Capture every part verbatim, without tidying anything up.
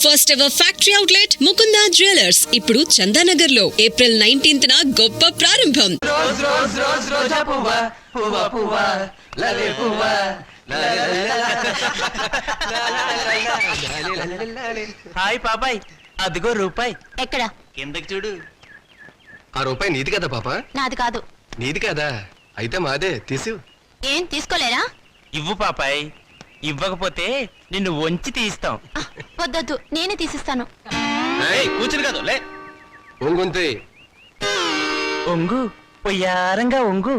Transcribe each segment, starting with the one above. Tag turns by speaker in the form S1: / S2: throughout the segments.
S1: First ever factory outlet Mukunda jewellers ఇప్పుడు చందానగర్ లో April nineteenth న గొప్ప ప్రారంభం.
S2: రోజ్ రోజ్ రోజ్ రోజా పువ్వా పువ్వా పువ్వా లలే పువ్వా హాయ్ పాపాయ్, అదిగో రూపాయి.
S3: ఎక్కడ?
S2: కిందకి చూడు.
S4: ఆ రూపాయి నీది కదా పాప?
S3: నాది కాదు.
S4: నీది కదా? అయితే మాదే, తీసు.
S3: ఏం తీసుకోలేరా?
S2: ఇవ్వు పాపాయ్, ఇవ్వకపోతే నిన్ను వంచి తీస్తాం.
S3: వద్దొద్దు, నేనే తీసిస్తాను.
S2: కూర్చుని కాదు లే.
S4: ఒంగుంతే.
S2: ఒంగు పొయ్యారంగా ఒంగు.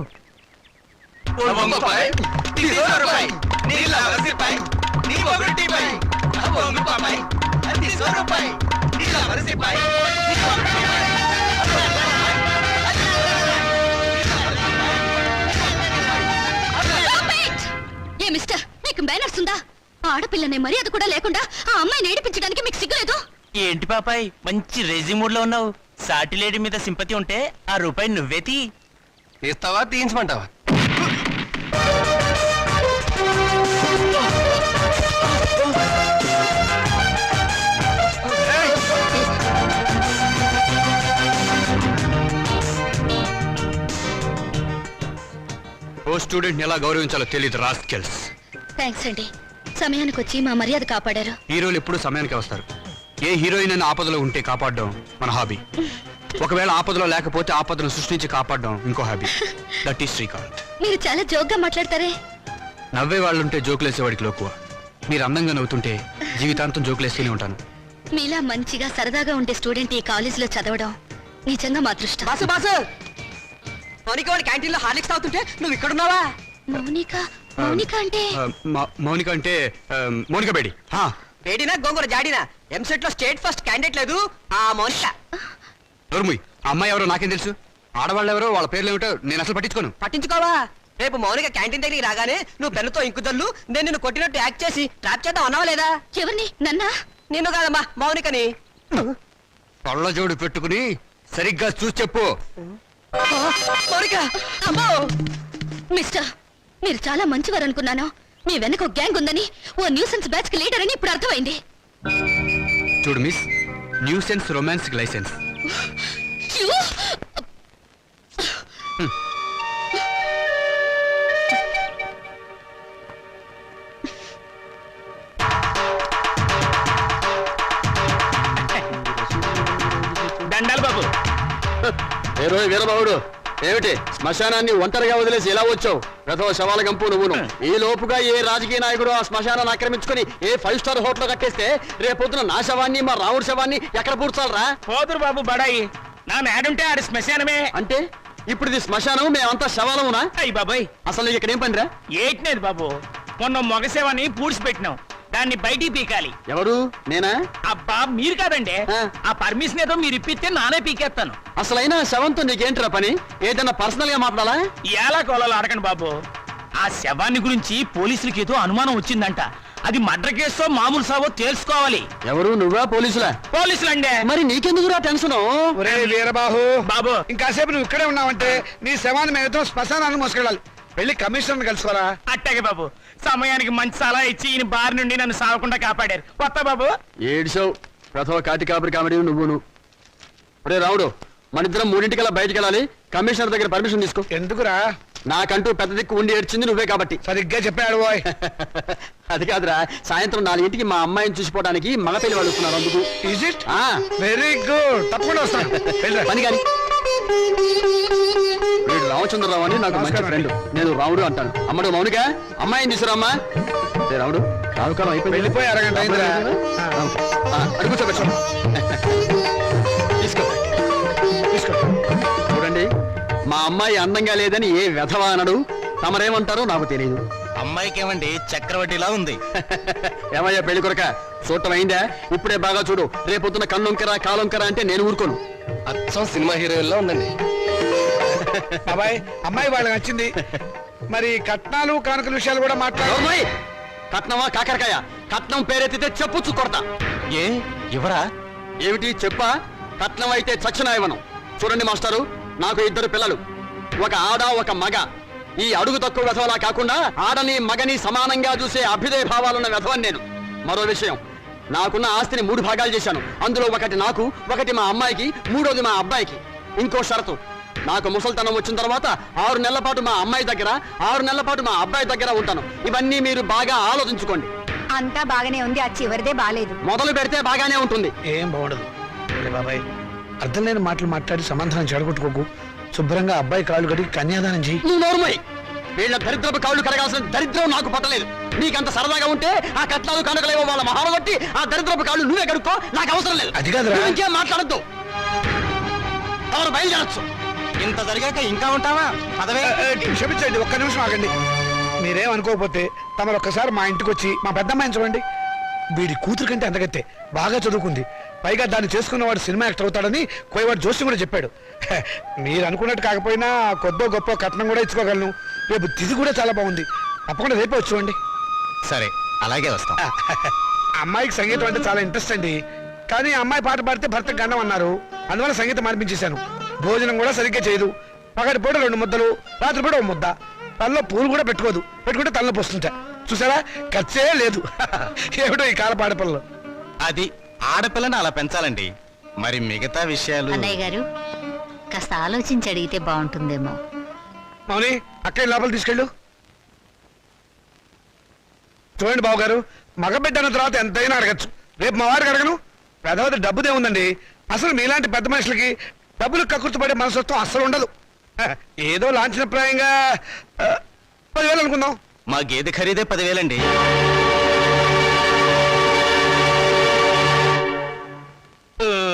S3: ఏ మిస్టర్, మీకు మేనర్స్ ఉందా? ఆడపిల్లనే మర్యాద కూడా లేకుండా ఆ అమ్మాయిని ఏడిపించడానికి మీకు సిగ్గులేదు?
S2: ఏంటి పాపాయ్, మంచి రెజిమూడ్ లో ఉన్నావు. సాటి లేడీ మీద సింపతి ఉంటే ఆ రూపాయి నువ్వే తీ.
S4: తీస్తావా తీయించమంటావా?
S5: ఓ స్టూడెంట్ ఎలా గౌరవించాలో తెలియదు రాస్కెల్స్.
S3: థ్యాంక్స్ అండి, సమయానికి వచ్చి మా మర్యాద కాపాడారు.
S5: హీరోలు ఎప్పుడు సమయానికి వస్తారు. ఏ హీరోయిన్ అని ఆపదలో ఉంటే కాపాడడం మన హాబీ. ఒకవేళ ఆపదలో లేకపోతే ఆపదను సృష్టించి కాపాడడం ఇంకో హాబీ. That is Srikanth.
S3: మీరు చాలా జోక్గా మాట్లాడతారే.
S5: నవ్వే వాళ్ళుంటే జోకులేసేవాడికి లోకువ. మీరు అందంగా నవ్వుతుంటే జీవితాంతం జోకులేస్తూనే ఉంటాను.
S3: మీలా మంచిగా సరదాగా ఉండే స్టూడెంట్ ఈ కాలేజీలో చదవడం నిజంగా మా అదృష్టం.
S6: బాసు బాసు, మౌనిక వాడి క్యాంటీన్ లో హార్లిక్స్ తాగుతుంటే నువ్వు ఇక్కడున్నావా?
S3: మౌనిక? మౌనిక అంటే?
S5: ఆ, మా- మౌనిక అంటే ఆ, మౌనిక బేడి. హా.
S6: వేడినా గోంగూర జాడినా ఎంసెట్ లో స్టేట్ ఫస్ట్ క్యాండిడేట్ లేదు ఆ మౌనిక.
S5: నోర్ముయ్, ఆ అమ్మాయి ఎవరో నాకేం తెలుసు? ఆడవాళ్ళు ఎవరో వాళ్ళ పేర్లు ఏమిటో నేను అసలు పట్టించుకోను.
S6: పట్టించుకోవా? రేపు మౌనిక క్యాంటీన్ దగ్గరికి రాగానే నువ్వు పెన్నుతో ఇంకుదల్లు నేను నిన్ను కొట్టినట్టు యాక్ట్ చేసి ట్రాప్ చేద్దాం అన్నావా లేదా?
S3: ఎవరిని? నన్నా?
S6: నిన్ను కాదమ్మా, మౌనికని.
S5: పళ్ళజోడు పెట్టుకుని సరిగ్గా చూసి చెప్పు.
S6: మౌనిక అమ్మో!
S3: మిస్టర్, మీరు చాలా మంచివారు అనుకున్నాను. మీ వెనక ఒక గ్యాంగ్ ఉందని, ఓ న్యూసెన్స్ బ్యాచ్ కి లీడర్ అని ఇప్పుడు అర్థమైంది.
S5: చూడు miss, nuisance romance licence.
S3: You!
S2: దండాలు బాబు.
S4: ఏ రోజు వీరబాబుడు, ఏమిటి శ్మశానాన్ని ఒంటరిగా వదిలేసి ఎలా వచ్చావు? ప్రథమ శవాల గంపు నువ్వును. ఈ లోపుగా ఏ రాజకీయ నాయకుడు ఆ శ్మశానాన్ని ఆక్రమించుకుని ఏ ఫైవ్ స్టార్ హోటల్ కట్టేస్తే రేపొద్దున నా శవాన్ని మా రావుడి శవాన్ని ఎక్కడ పూడ్చాలరా?
S2: పోదురు బాబు బడాయి, నా మేడుంటే ఆడి శ్మశానమే.
S4: అంటే ఇప్పుడు ఇది శ్మశానం, మేమంతా శవాలమునా?
S2: అయ్యి బాబాయ్,
S4: అసలు నీకు ఇక్కడ ఏం పనిరా?
S2: ఏట్నేది బాబు, మొన్న మొగసేవని పూడ్చిపెట్టినాం, దాన్ని బయటికి పీకాలి.
S4: ఎవరు? నేనా?
S2: అబ్బా మీరు కాదండి,
S4: ఆ.
S2: ఆ పర్మిషన్ ఏదో మీరు ఇప్పిస్తే నానే పీకేస్తాను.
S4: అసలైనా శవంతో నీకేంటిరా పని? ఏదైనా పర్సనల్ గా మాట్లాడాలా?
S2: ఎలా కోలాలో అడగండి బాబు. ఆ శవాన్ని గురించి పోలీసులకి ఏదో అనుమానం వచ్చిందంట. అది మర్డర్ కేసో మామూలు సావో తెలుసుకోవాలి.
S4: ఎవరు? నువ్వా పోలీసులా?
S2: పోలీసులండే.
S4: మరి నీకెందుకురా టెన్షన్?
S7: ఒరే వీరబాహు
S2: బాబు,
S7: ఇంకాసేపు నువ్వు ఇక్కడే ఉన్నావంటే నీ శవాన్ని మేమతో శ్మశానాన్ని మోసుకెళ్ళాలి. వెళ్ళి కమిషనర్ కలుసుకోరా.
S2: అట్టాగే బాబు, సమయానికి మంచి సలహా ఇచ్చి ఈయన బారి నుండి నన్ను సావకుండా కాపాడారు. కొత్త బాబు.
S4: ఏడ్చావు. ప్రథమ కాటి కాపరి కామెడీ నువ్వును. ఒరే రావుడు, మనిద్దరం మూడింటికల్లా బయటికి వెళ్ళాలి. కమిషనర్ దగ్గర పర్మిషన్ తీసుకో.
S7: ఎందుకురా?
S4: నాకంటూ పెద్ద దిక్కు ఉండి ఏడ్చింది నువ్వే కాబట్టి.
S7: సరిగ్గా చెప్పాడు బాయ్.
S4: అది కాదురా, సాయంత్రం నాలుగింటికి మా అమ్మాయిని చూసిపోవడానికి మగ పెళ్లి వాళ్ళు వస్తున్నారు. అందుకు
S7: ఈజ్ ఇట్?
S4: ఆ,
S7: వెరీ గుడ్, తప్పకుండా వస్తాను. వెళ్ళరా.
S4: పని కాని. వీడు రామచంద్రరావు అని నాకు మంచి ఫ్రెండ్. నేను రావుడు అంటాను. అమ్మడు మౌనిక, అమ్మాయిని తీసుకురామ్మా. ఏ రావుడు, రావుకాలం అయిపోయింది.
S7: వెళ్ళిపోయి అరగంట అయిందిరా.
S4: అడుగు కూర్చోబెట్టు. తీసుకో
S7: తీసుకో.
S4: చూడండి, మా అమ్మాయి అందంగా లేదని ఏ వెధవా అనడు. తమరేమంటారో నాకు తెలియదు.
S2: అమ్మాయికి ఏమండి చక్రవడ్డీలా ఉంది.
S4: ఏమయ్యా పెళ్లి కొరక, చూడటం అయిందా? ఇప్పుడే బాగా చూడు. రేపొద్దున కన్నొంకరా కాలొంకరా అంటే నేను ఊరుకోను.
S5: అచ్చం సినిమా హీరోయిన్లో ఉందండి.
S7: బాబాయ్, అమ్మాయి వాళ్ళకి నచ్చింది. మరి కట్నాలు కానుకల విషయాలు కూడా మాట్లాడు.
S4: అమ్మాయి కట్నమా కాకరకాయ? కట్నం పేరెత్తితే చెప్పుచ్చు కొడతా.
S2: ఏ ఎవరా?
S4: ఏమిటి చెప్పా? కట్నం అయితే చచ్చిన ఇవ్వను. చూడండి మాస్టారు, నాకు ఇద్దరు పిల్లలు, ఒక ఆడ ఒక మగ. ఈ అడుగు తక్కువ వెధవలా కాకుండా ఆడని మగని సమానంగా చూసే అభ్యుదయ భావాలున్న వెధవని నేను. మరో విషయం, నాకున్న ఆస్తిని మూడు భాగాలు చేశాను. అందులో ఒకటి నాకు, ఒకటి మా అమ్మాయికి, మూడోది మా అబ్బాయికి. ఇంకో షరతు, నాకు ముసల్తనం వచ్చిన తర్వాత ఆరు నెలల పాటు మా అమ్మాయి దగ్గర, ఆరు నెలల పాటు మా అబ్బాయి దగ్గర ఉంటాను. ఇవన్నీ మీరు బాగా ఆలోచించుకోండి.
S8: అంతా బాగానే ఉంది, ఆ చివరిదే బాలేదు.
S4: మొదలు పెడితే బాగానే ఉంటుంది.
S7: ఏం బాగుండదు. ఒరే బాబాయ్, అర్థం లేని మాటలు మాట్లాడి సమాధానం చెడగొట్టుకోకు. శుభ్రంగా అబ్బాయి కాళ్ళు కడిగి కన్యాదానం చెయ్యి.
S4: నువ్వు నోరుమోయ్. వీళ్ళ దరిద్రపు కాళ్ళు కడగాల్సిన దరిద్రం నాకు పట్టలేదు. నీకంత సరదాగా ఉంటే ఆ కట్నాలు కనుకలేవో వాళ్ళ మహాలు బట్టి ఆ దరిద్రపు కాళ్ళు నువ్వే కడుక్కో, నాకు అవసరం లేదు.
S7: అది కాదురా.
S4: నువ్వు ఇంకేం మాట్లాడద్దు. ఎవరు బయలుదేరచ్చు.
S2: ఇంత జరిగాక ఇంకా ఉంటావా? పదవే.
S7: ఏ, ఏ, క్షమించండి, ఒక్క నిమిషం ఆగండి. మీరేం అనుకోకపోతే తమరు ఒక్కసారి మా ఇంటికి వచ్చి మా పెద్దమ్మాయిని చూడండి. వీడి కూతురు కంటే అంతగత్తే, బాగా చదువుకుంది. పైగా దాన్ని చేసుకున్నవాడు సినిమా యాక్టర్ అవుతాడని కోయవాడు జోషి కూడా చెప్పాడు. హె, మీరు అనుకున్నట్టు కాకపోయినా కొద్దో గొప్ప కట్నం కూడా ఇచ్చుకోగలను. రేపు తిథి కూడా చాలా బాగుంది. తప్పకుండా రేపే వచ్చి చూడండి.
S2: సరే, అలాగే వస్తాం.
S7: అమ్మాయికి సంగీతం అంటే చాలా ఇంట్రెస్ట్ అండి. కానీ అమ్మాయి పాట పాడితే భర్త గండం అన్నారు. అందువల్ల సంగీతం మార్పించేశాను. భోజనం కూడా సరిగ్గా చేయదు. పగటి పూట రెండు ముద్దలు, రాత్రి పూట ఒక ముద్ద. తనలో పూలు కూడా పెట్టుకోదు. పెట్టుకుంటే తనలో పోస్తుంటా. చూసారా, ఖర్చే లేదు. ఏమిటో ఈ కాల పాడపిల్లలు.
S2: అది ఆడపిల్లని అలా పెంచాలండి. మరి మిగతా విషయాలు
S8: అన్నయ్య గారు కాస్త ఆలోచించి అడిగితే బాగుంటుందేమో.
S7: మౌని, అక్కయ్య లోపల తీసుకెళ్ళు. చూడండి బాబు గారు, మగబిడ్డ అన్న తర్వాత ఎంతైనా అడగచ్చు. రేపు మా వారికి అడగను. పెద్దవది డబ్బుదే ఉందండి. అసలు మీలాంటి పెద్ద మనుషులకి డబ్బులు కక్కుర్తిపడే మనసత్వం అస్సలు ఉండదు. హ, ఏదో లాంఛనప్రాయంగా ఆ, పదివేలు అనుకుందాం.
S2: మా గేదె ఖరీదే పదివేలండి.